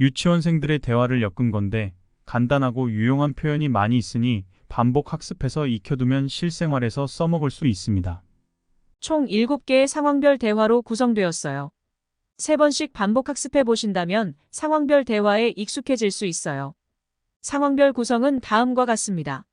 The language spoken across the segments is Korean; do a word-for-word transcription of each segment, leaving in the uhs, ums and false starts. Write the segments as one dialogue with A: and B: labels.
A: 유치원생들의 대화를 엮은 건데 간단하고 유용한 표현이 많이 있으니 반복 학습해서 익혀두면 실생활에서 써먹을 수 있습니다.
B: 총 일곱 개의 상황별 대화로 구성되었어요. 세 번씩 반복 학습해 보신다면 상황별 대화에 익숙해질 수 있어요. 상황별 구성은 다음과 같습니다.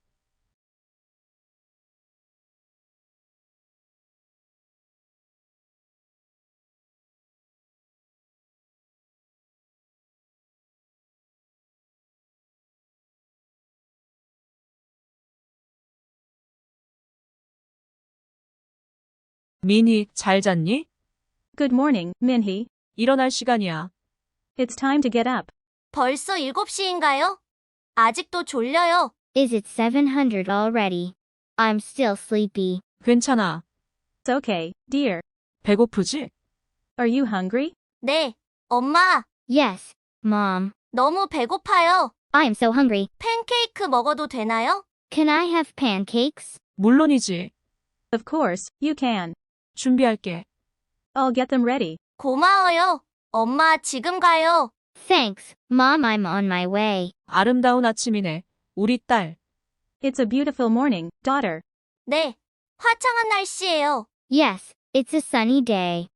B: 미니, 잘 잤니?
C: Good morning, Minhee.
B: 일어날 시간이야.
C: It's time to get up.
D: 벌써 일곱 시인가요? 아직도 졸려요.
E: Is it seven hundred already? I'm still sleepy.
B: 괜찮아.
C: It's okay, dear.
B: 배고프지?
C: Are you hungry?
D: 네, 엄마,
E: Yes, Mom.
D: 너무 배고파요.
E: I am so hungry.
D: 팬케이크 먹어도 되나요?
E: Can I have pancakes?
B: 물론이지.
C: Of course, you can.
B: 준비할게.
C: I'll get them ready.
D: 고마워요. 엄마, 지금 가요.
E: Thanks, Mom. I'm on my way.
B: 아름다운 아침이네. 우리 딸.
C: It's a beautiful morning, daughter.
D: 네, 화창한 날씨예요.
E: Yes, it's a sunny day.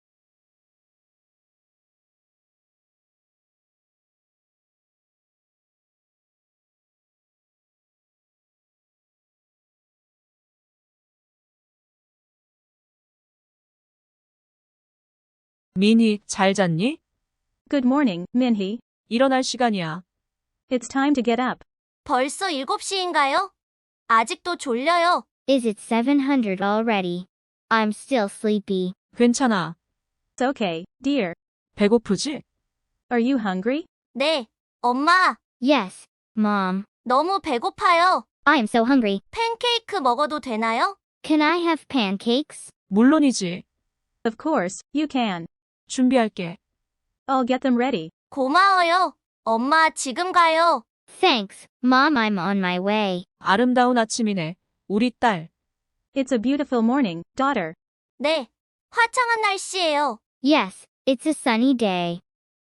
B: 미니, 잘 잤니?
C: Good morning, Minhee.
B: 일어날 시간이야.
C: It's time to get up.
D: 벌써 일곱 시인가요? 아직도 졸려요.
E: Is it seven hundred already? I'm still sleepy.
B: 괜찮아.
C: It's okay, dear.
B: 배고프지?
C: Are you hungry?
D: 네, 엄마,
E: Yes, Mom.
D: 너무 배고파요.
E: I am so hungry.
D: 팬케이크 먹어도 되나요?
E: Can I have pancakes?
B: 물론이지.
C: Of course, you can.
B: 준비할게.
C: I'll get them ready.
D: 고마워요. 엄마, 지금 가요.
E: Thanks, Mom. I'm on my way.
B: 아름다운 아침이네. 우리 딸.
C: It's a beautiful morning, daughter.
D: 네, 화창한 날씨예요.
E: Yes, it's a sunny day.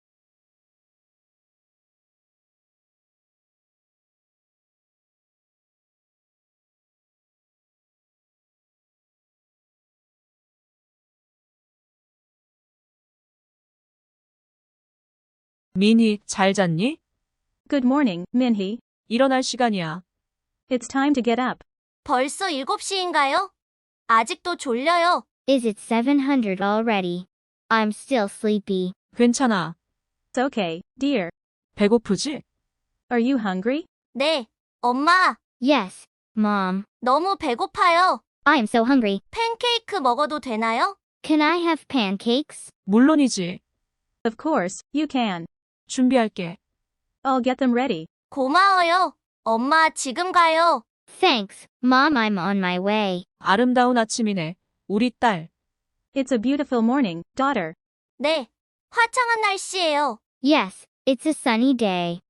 B: 미니, 잘 잤니?
C: Good morning, Minhee.
B: 일어날 시간이야.
C: It's time to get up.
D: 벌써 일곱 시인가요? 아직도 졸려요.
E: Is it seven hundred already? I'm still sleepy.
B: 괜찮아.
C: It's okay, dear.
B: 배고프지?
C: Are you hungry?
D: 네, 엄마,
E: Yes, Mom.
D: 너무 배고파요.
E: I am so hungry.
D: 팬케이크 먹어도 되나요?
E: Can I have pancakes?
B: 물론이지.
C: Of course, you can.
B: 준비할게.
C: I'll get them ready.
D: 고마워요. 엄마, 지금 가요.
E: Thanks, Mom. I'm on my way.
B: 아름다운 아침이네. 우리 딸.
C: It's a beautiful morning, daughter.
D: 네, 화창한 날씨예요.
E: Yes, it's a sunny day.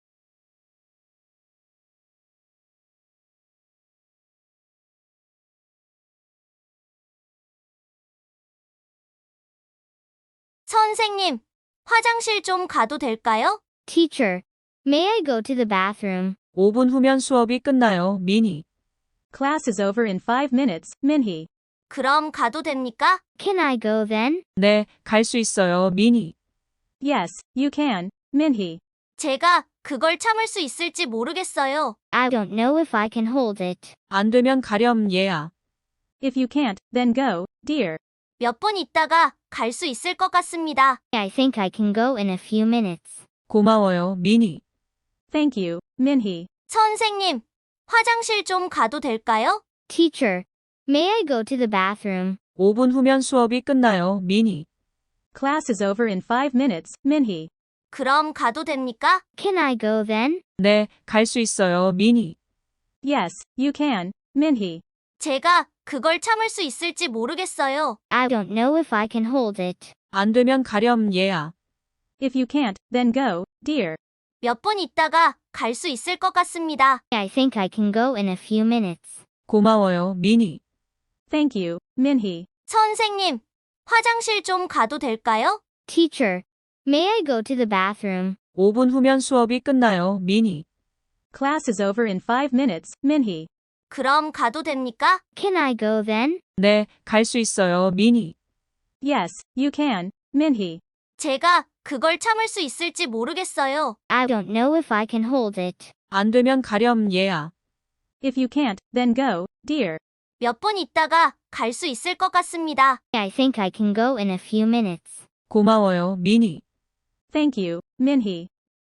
D: 선생님, 화장실 좀 가도 될까요?
E: Teacher, may I go to the bathroom?
B: 오 분 후면 수업이 끝나요. 미니.
C: Class is over in five minutes, Minhee.
D: 그럼 가도 됩니까?
E: Can I go then?
B: 네, 갈 수 있어요. 미니.
C: Yes, you can, Minhee.
D: 제가 그걸 참을 수 있을지 모르겠어요.
E: I don't know if I can hold it.
B: 안 되면 가렴 얘야.
C: If you can't, then go, dear.
D: 몇 분 있다가 갈 수 있을 것 같습니다.
E: I think I can go in a few minutes.
B: 고마워요. 미니.
C: Thank you, Minhee.
D: 선생님, 화장실 좀 가도 될까요?
E: Teacher, may I go to the bathroom?
B: 오 분 후면 수업이 끝나요. 미니.
C: Class is over in five minutes, Minhee.
D: 그럼 가도 됩니까?
E: Can I go then?
B: 네, 갈 수 있어요. 미니.
C: Yes, you can, Minhee.
D: 제가 그걸 참을 수 있을지 모르겠어요.
E: I don't know if I can hold it.
B: 안 되면 가렴 얘야.
C: If you can't, then go, dear.
D: 몇 분 있다가 갈 수 있을 것 같습니다.
E: I think I can go in a few minutes.
B: 고마워요. 미니.
C: Thank you, Minhee.
D: 선생님, 화장실 좀 가도 될까요?
E: Teacher, may I go to the bathroom?
B: 오 분 후면 수업이 끝나요, 미니.
C: Class is over in five minutes, Minhee.
D: 그럼 가도 됩니까?
E: Can I go then?
B: 네, 갈 수 있어요, 미니.
C: Yes, you can, Minhee.
D: 제가 그걸 참을 수 있을지 모르겠어요.
E: I don't know if I can hold it.
B: 안 되면 가렴, 얘야.
C: If you can't, then go, dear.
D: 몇 분 있다가 갈 수 있을 것 같습니다.
E: I think I can go in a few minutes.
B: 고마워요, 미니.
C: Thank you, Minhee.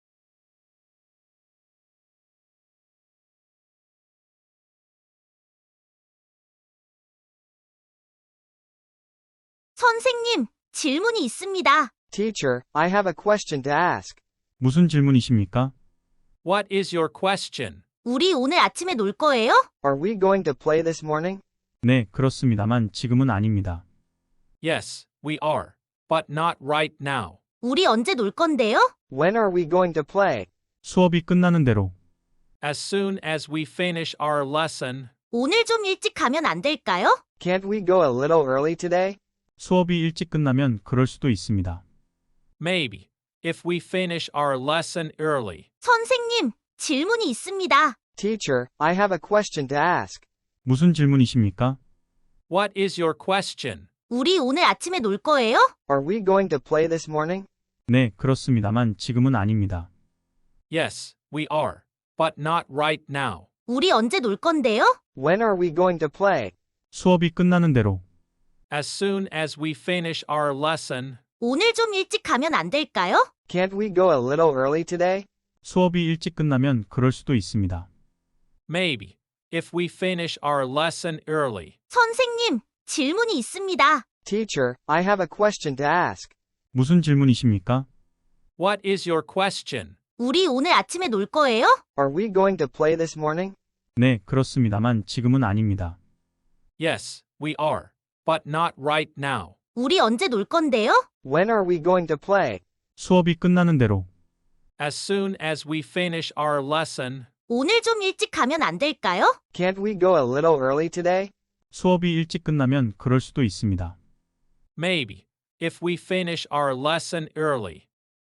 D: 선생님, 질문이 있습니다.
F: Teacher, I have a question to ask.
A: 무슨 질문이십니까?
G: What is your question?
D: 우리 오늘 아침에 놀 거예요?
F: Are we going to play this morning?
A: 네, 그렇습니다만 지금은 아닙니다.
G: Yes, we are. But not right now.
D: 우리 언제 놀 건데요?
F: When are we going to play?
A: 수업이 끝나는 대로.
G: As soon as we finish our lesson.
D: 오늘 좀 일찍 가면 안 될까요?
F: Can't we go a little early today?
A: 수업이 일찍 끝나면 그럴 수도 있습니다.
G: Maybe. If we finish our lesson early.
D: 선생님, 질문이 있습니다.
F: Teacher, I have a question to ask.
A: 무슨 질문이십니까?
G: What is your question?
D: 우리 오늘 아침에 놀 거예요?
F: Are we going to play this morning?
A: 네, 그렇습니다만 지금은 아닙니다.
G: Yes, we are. But not right now.
D: 우리 언제 놀 건데요?
F: When are we going to play?
A: 수업이 끝나는 대로.
G: As soon as we finish our lesson.
D: 오늘 좀 일찍 가면 안 될까요?
F: Can't we go a little early today?
A: 수업이 일찍 끝나면 그럴 수도 있습니다.
G: Maybe. If we finish our lesson early.
D: 선생님, 질문이 있습니다.
F: Teacher, I have a question to ask.
A: 무슨 질문이십니까?
G: What is your question?
D: 우리 오늘 아침에 놀 거예요?
F: Are we going to play this morning?
A: 네, 그렇습니다만 지금은 아닙니다.
G: Yes, we are. But not right now.
D: 우리 언제 놀 건데요?
F: When are we going to play?
A: 수업이 끝나는 대로.
G: As soon as we finish our lesson.
D: 오늘 좀 일찍 가면 안 될까요?
F: Can't we go a little early today?
A: 수업이 일찍 끝나면 그럴 수도 있습니다.
G: Maybe. If we finish our lesson early.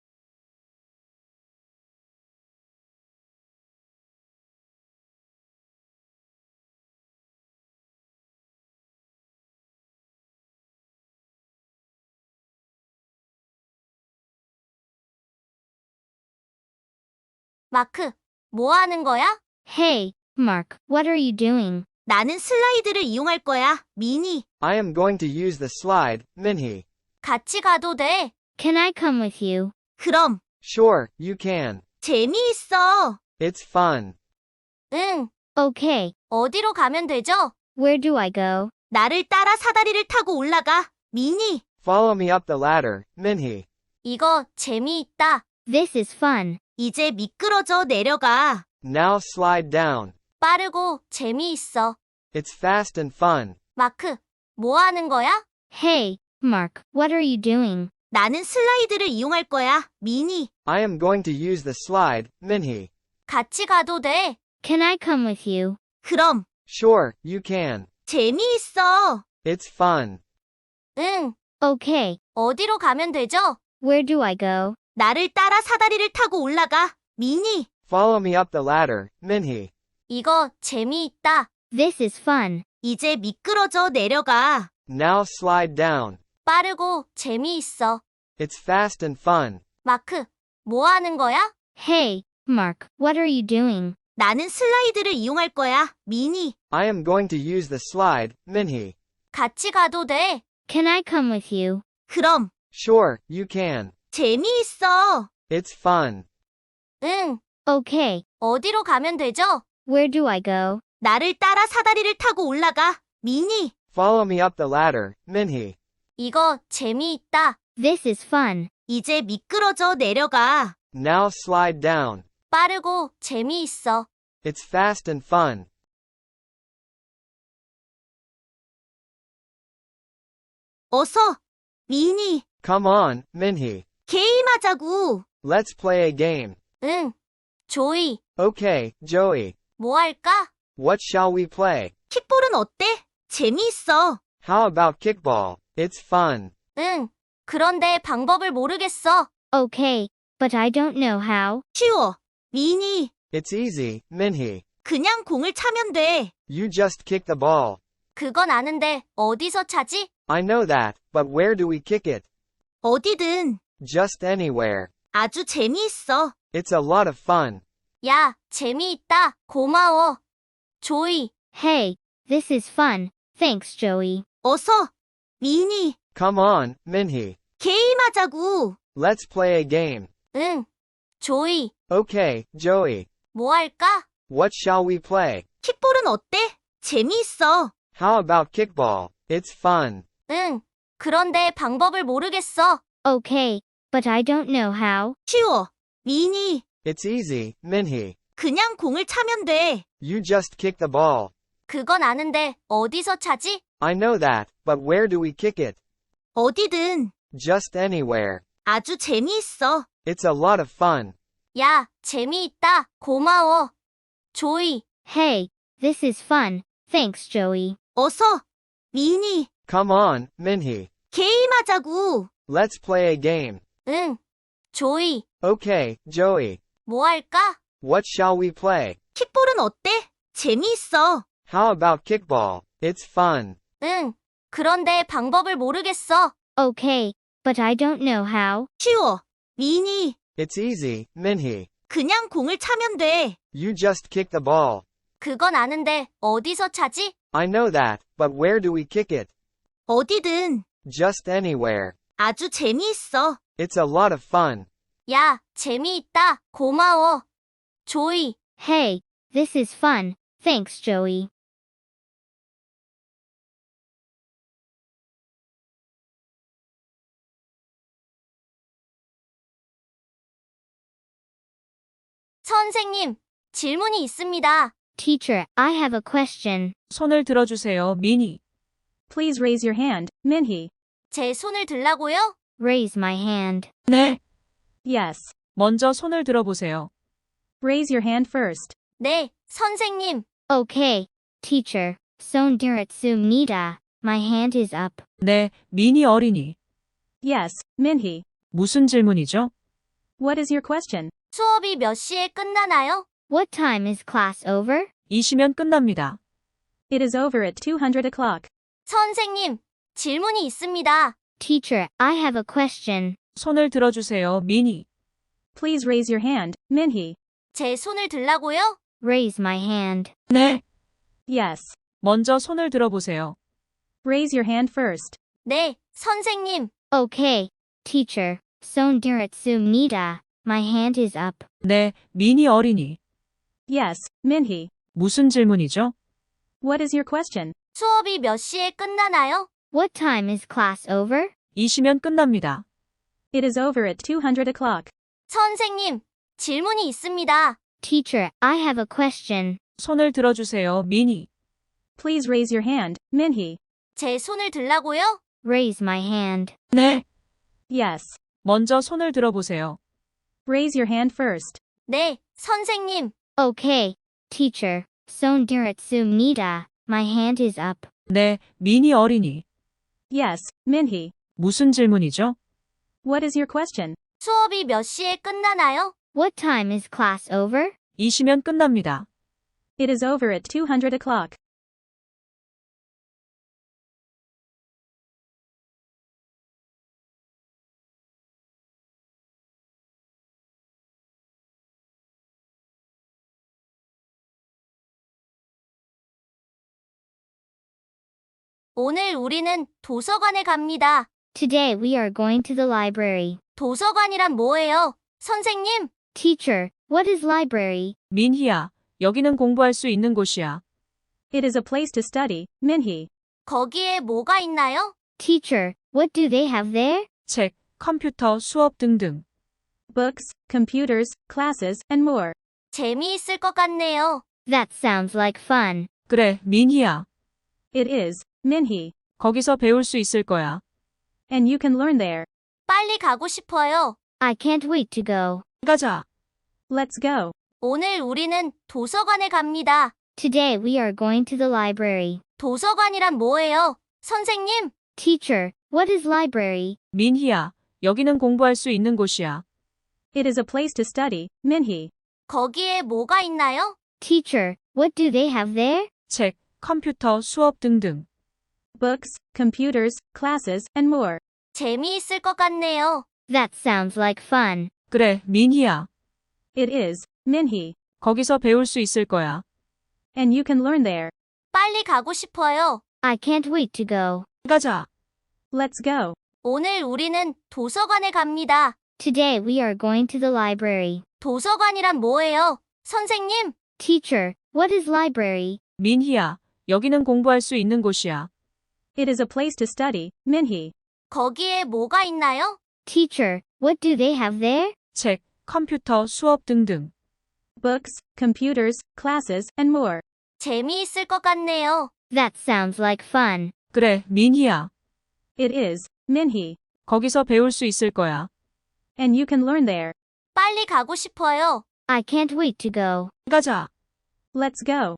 D: 마크, 뭐 하는 거야?
E: Hey, Mark, what are you doing?
D: 나는 슬라이드를 이용할 거야, 미니.
F: I am going to use the slide, Minhee.
D: 같이 가도 돼.
E: Can I come with you?
D: 그럼,
F: Sure, you can.
D: 재미있어.
F: It's fun.
D: 응,
E: Okay,
D: 어디로 가면 되죠?
E: where do I go?
D: 나를 따라 사다리를 타고 올라가, 미니.
F: Follow me up the ladder, Minhee.
D: 이거 재미있다.
E: This is fun.
D: 이제 미끄러져 내려가.
F: Now slide down.
D: 빠르고 재미있어.
F: It's fast and fun.
D: 마크, 뭐 하는 거야?
E: Hey, Mark, what are you doing?
D: 나는 슬라이드를 이용할 거야, 미니.
F: I am going to use the slide, Minhee.
D: 같이 가도 돼.
E: Can I come with you?
D: 그럼,
F: Sure, you can.
D: 재미있어.
F: It's fun.
D: 응,
E: Okay,
D: 어디로 가면 되죠?
E: where do I go?
D: 나를 따라 사다리를 타고 올라가, 미니.
F: Follow me up the ladder, Minhee.
D: 이거 재미있다.
E: This is fun.
D: 이제 미끄러져 내려가.
F: Now slide down.
D: 빠르고 재미있어.
F: It's fast and fun.
D: 마크, 뭐 하는 거야?
E: Hey, Mark, what are you doing?
D: 나는 슬라이드를 이용할 거야, 미니.
F: I am going to use the slide, Minhee.
D: 같이 가도 돼.
E: Can I come with you?
D: 그럼,
F: Sure, you can.
D: 재미있어.
F: It's fun.
D: 응,
E: Okay,
D: 어디로 가면 되죠?
E: where do I go?
D: 나를 따라 사다리를 타고 올라가, 미니.
F: Follow me up the ladder, Minhee.
D: 이거 재미있다.
E: This is fun.
D: 이제 미끄러져 내려가.
F: Now slide down.
D: 빠르고 재미있어.
F: It's fast and fun.
D: 어서, 미니.
F: Come on, Minhee.
D: 게임하자고.
F: Let's play a game.
D: 응, 조이.
F: Okay, Joey.
D: 뭐 할까?
F: What shall we play?
D: 킥볼은 어때? 재미있어.
F: How about kickball? It's fun.
D: 응, 그런데 방법을 모르겠어.
E: Okay, but I don't know how.
D: 쉬워. 미니.
F: It's easy, Minhee.
D: 그냥 공을 차면 돼.
F: You just kick the ball.
D: 그건 아는데 어디서 차지?
F: I know that, but where do we kick it?
D: 어디든.
F: Just anywhere.
D: 아주 재미있어.
F: It's a lot of fun.
D: 야, 재미있다. 고마워. 조이.
E: Hey, this is fun. Thanks, Joey.
D: 어서. 미니.
F: Come on, Minhee.
D: 게임하자고.
F: Let's play a game.
D: 응. 조이.
F: Okay, Joey.
D: 뭐 할까?
F: What shall we play?
D: 킥볼은 어때? 재미있어.
F: How about kickball? It's fun.
D: 응. 그런데 방법을 모르겠어.
E: Okay, but I don't know how.
D: 쉬워. 미니.
F: It's easy, Minhee.
D: 그냥 공을 차면 돼.
F: You just kick the ball.
D: 그건 아는데 어디서 차지?
F: I know that, but where do we kick it?
D: 어디든.
F: Just anywhere.
D: 아주 재미있어.
F: It's a lot of fun.
D: 야, 재미있다. 고마워. 조이.
E: Hey, this is fun. Thanks, Joey.
D: 어서. 미니.
F: Come on, Minhee.
D: 게임하자고.
F: Let's play a game.
D: 응. 조이.
F: Okay, Joey.
D: 뭐 할까?
F: What shall we play?
D: 킥볼은 어때? 재미있어.
F: How about kickball? It's fun.
D: 응. 그런데 방법을 모르겠어.
E: Okay, but I don't know how.
D: 쉬워. 미니.
F: It's easy, Minhee.
D: 그냥 공을 차면 돼.
F: You just kick the ball.
D: 그건 아는데 어디서 차지?
F: I know that, but where do we kick it?
D: 어디든.
F: Just anywhere.
D: 아주 재미있어.
F: It's a lot of fun.
D: 야, 재미있다. 고마워. 조이.
E: Hey, this is fun. Thanks, Joey.
D: 선생님, 질문이 있습니다.
E: Teacher, I have a question.
B: 손을 들어주세요, 미니.
C: Please raise your hand, Minhee.
D: 제 손을 들라고요?
E: Raise my hand.
B: 네.
C: Yes.
B: 먼저 손을 들어보세요.
C: Raise your hand first.
D: 네, 선생님.
E: Okay, teacher. Sondiratsu-nida. My hand is up.
B: 네, 미니 어린이.
C: Yes, Minhee.
B: 무슨 질문이죠?
C: What is your question?
D: 수업이 몇 시에 끝나나요?
E: What time is class over?
B: 이 시면 끝납니다.
C: It is over at two hundred o'clock.
D: 선생님, 질문이 있습니다.
E: Teacher, I have a question.
B: 손을 들어주세요, 미니.
C: Please raise your hand, Minhee.
D: 제 손을 들라고요?
E: Raise my hand.
B: 네.
C: Yes.
B: 먼저 손을 들어보세요.
C: Raise your hand first.
D: 네, 선생님.
E: Okay, teacher. Sondiratsu-nida. My hand is up.
B: 네, 미니 어린이.
C: Yes, Minhee.
B: 무슨 질문이죠?
C: What is your question?
D: 수업이 몇 시에 끝나나요?
E: What time is class over?
B: 이 시면 끝납니다.
C: It is over at two hundred o'clock.
D: 선생님, 질문이 있습니다.
E: Teacher, I have a question.
B: 손을 들어주세요, 미니.
C: Please raise your hand, Minhee.
D: 제 손을 들라고요?
E: Raise my hand.
B: 네.
C: Yes.
B: 먼저 손을 들어보세요.
C: Raise your hand first.
D: 네, 선생님.
E: Okay, teacher. Sondiratsu-nida. My hand is up.
B: 네, 미니 어린이.
C: Yes, Minhee.
B: 무슨 질문이죠?
C: What is your question?
D: 수업이 몇 시에 끝나나요?
E: What time is class over?
B: 이 시면 끝납니다.
C: It is over at two hundred o'clock.
D: 오늘 우리는 도서관에 갑니다.
E: Today we are going to the library.
D: 도서관이란 뭐예요? 선생님,
E: Teacher, what is library?
B: 민희야, 여기는 공부할 수 있는 곳이야.
C: It is a place to study, Minhee.
D: 거기에 뭐가 있나요?
E: Teacher, what do they have there?
B: 책, 컴퓨터, 수업 등등.
C: Books, computers, classes, and more.
D: 재미있을 것 같네요.
E: That sounds like fun.
B: 그래, 민희야.
C: It is, Minhee.
B: 거기서 배울 수 있을 거야.
C: And you can learn there.
D: 빨리 가고 싶어요.
E: I can't wait to go.
B: 가자.
C: Let's go.
D: 오늘 우리는 도서관에 갑니다.
E: Today we are going to the library.
D: 도서관이란 뭐예요? 선생님,
E: Teacher, what is library?
B: 민희야, 여기는 공부할 수 있는 곳이야.
C: It is a place to study, Minhee.
D: 거기에 뭐가 있나요?
E: Teacher, what do they have there?
B: 책, 컴퓨터, 수업 등등.
C: Books, computers, classes, and more.
D: 재미있을 것 같네요.
E: That sounds like fun.
B: 그래, 민희야.
C: It is, Minhee.
B: 거기서 배울 수 있을 거야.
C: And you can learn there.
D: 빨리 가고 싶어요.
E: I can't wait to go.
B: 가자.
C: Let's go.
D: 오늘 우리는 도서관에 갑니다.
E: Today we are going to the library.
D: 도서관이란 뭐예요? 선생님,
E: Teacher, what is library?
B: 민희야, 여기는 공부할 수 있는 곳이야.
C: It is a place to study, Minhee.
D: 거기에 뭐가 있나요?
E: Teacher, what do they have there?
B: 책, 컴퓨터, 수업 등등.
C: Books, computers, classes, and more.
D: 재미있을 것 같네요.
E: That sounds like fun.
B: 그래, 민희야.
C: It is, Minhee.
B: 거기서 배울 수 있을 거야.
C: And you can learn there.
D: 빨리 가고 싶어요.
E: I can't wait to go.
B: 가자.
C: Let's go.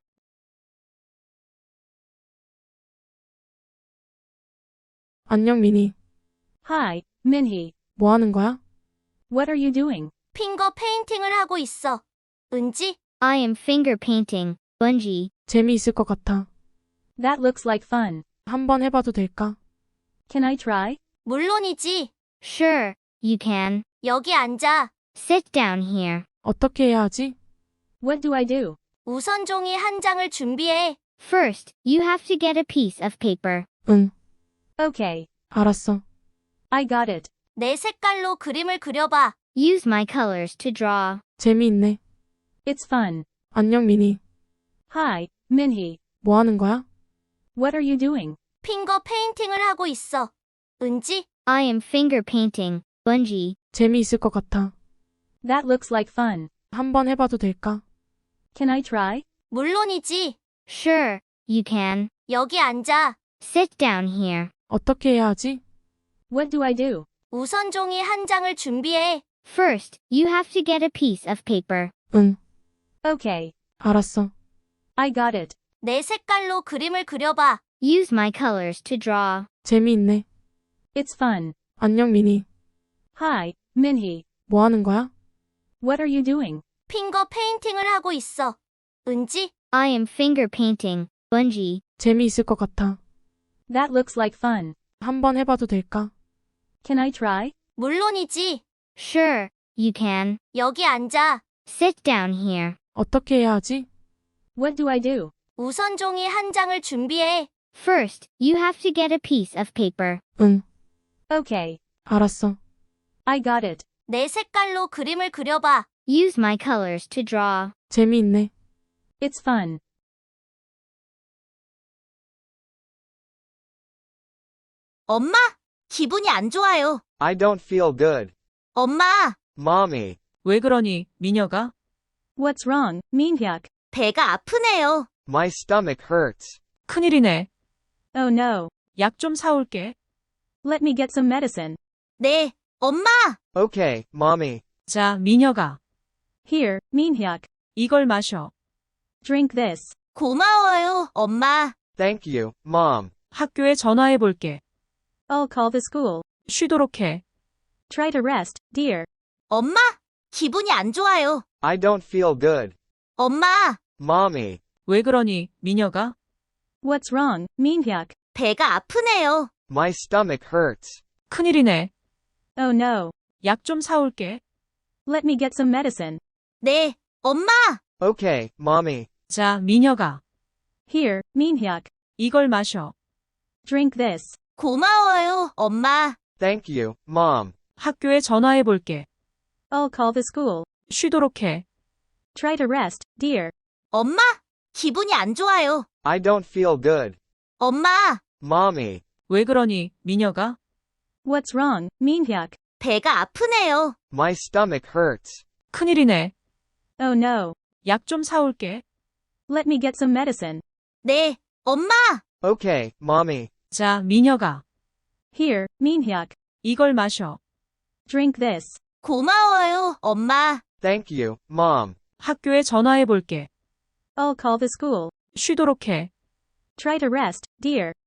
H: 안녕, 미니.
C: Hi, Minhee.
H: 뭐 하는 거야?
C: What are you doing?
D: 핑거 페인팅을 하고 있어. 은지,
E: I am finger painting. Bungie.
H: 재미있을 것 같아.
C: That looks like fun.
H: 한번 해봐도 될까?
C: Can I try?
D: 물론이지.
E: Sure, you can.
D: 여기 앉아.
E: Sit down here.
H: 어떻게 해야 하지?
C: What do I do?
D: 우선 종이 한 장을 준비해.
E: First, you have to get a piece of paper.
H: 응,
C: Okay.
H: 알았어.
C: I got it.
D: 내 색깔로 그림을 그려봐.
E: Use my colors to draw.
H: 재미있네.
C: It's fun.
H: 안녕, 미니.
C: Hi, Minhee.
H: 뭐 하는 거야?
C: What are you doing?
D: 핑거 페인팅을 하고 있어. 은지,
E: I am finger painting. Bungie.
H: 재미있을 것 같아.
C: That looks like fun.
H: 한번 해봐도 될까?
C: Can I try?
D: 물론이지.
E: Sure, you can.
D: 여기 앉아.
E: Sit down here.
H: 어떻게 해야 하지?
C: What do I do?
D: 우선 종이 한 장을 준비해.
E: First, you have to get a piece of paper.
H: 응,
C: Okay.
H: 알았어.
C: I got it.
D: 내 색깔로 그림을 그려봐.
E: Use my colors to draw.
H: 재미있네.
C: It's fun.
H: 안녕, 미니.
C: Hi, Minhee.
H: 뭐 하는 거야?
C: What are you doing?
D: 핑거 페인팅을 하고 있어. 은지,
E: I am finger painting. Bungie.
H: 재미있을 것 같아.
C: That looks like fun.
H: 한번 해봐도 될까?
C: Can I try?
D: 물론이지.
E: Sure, you can.
D: 여기 앉아.
E: Sit down here.
H: 어떻게 해야 하지?
C: What do I do?
D: 우선 종이 한 장을 준비해.
E: First, you have to get a piece of paper.
H: 응,
C: Okay.
H: 알았어.
C: I got it.
D: 내 색깔로 그림을 그려봐.
E: Use my colors to draw.
H: 재미있네.
C: It's fun.
D: 엄마, 기분이 안 좋아요.
F: I don't feel good.
D: 엄마,
F: Mommy,
B: 왜 그러니, 미녀가?
C: What's wrong, Minhyuk?
D: 배가 아프네요.
F: my stomach hurts.
B: 큰일이네.
C: Oh no.
B: 약 좀 사올게.
C: Let me get some medicine.
D: 네, 엄마.
F: Okay, Mommy.
B: 자, 미녀가.
C: Here, Minhyuk.
B: 이걸 마셔.
C: Drink this.
D: 고마워요, 엄마.
F: Thank you, Mom.
B: 학교에 전화해 볼게.
C: I'll call the school.
B: 쉬도록 해.
C: Try to rest, dear.
D: 엄마, 기분이 안 좋아요.
F: I don't feel good.
D: 엄마,
F: Mommy,
B: 왜 그러니, 미녀가?
C: What's wrong, Minhyuk?
D: 배가 아프네요.
F: my stomach hurts.
B: 큰일이네.
C: Oh no.
B: 약 좀 사올게.
C: Let me get some medicine.
D: 네, 엄마.
F: Okay, Mommy.
B: 자, 미녀가.
C: Here, Minhyuk.
B: 이걸 마셔.
C: Drink this.
D: 고마워요, 엄마.
F: Thank you, Mom.
B: 학교에 전화해 볼게.
C: I'll call the school.
B: 쉬도록 해.
C: Try to rest, dear.
D: 엄마, 기분이 안 좋아요.
F: I don't feel good.
D: 엄마,
F: Mommy,
B: 왜 그러니, 미녀가?
C: What's wrong, Minhyuk?
D: 배가 아프네요.
F: my stomach hurts.
B: 큰일이네.
C: Oh no.
B: 약 좀 사올게.
C: Let me get some medicine.
D: 네, 엄마.
F: Okay, Mommy.
B: 자, 미녀가.
C: Here, Minhyuk.
B: 이걸 마셔.
C: Drink this.
D: 고마워요, 엄마.
F: Thank you, Mom.
B: 학교에 전화해 볼게.
C: I'll call the school.
B: 쉬도록 해.
C: Try to rest, dear.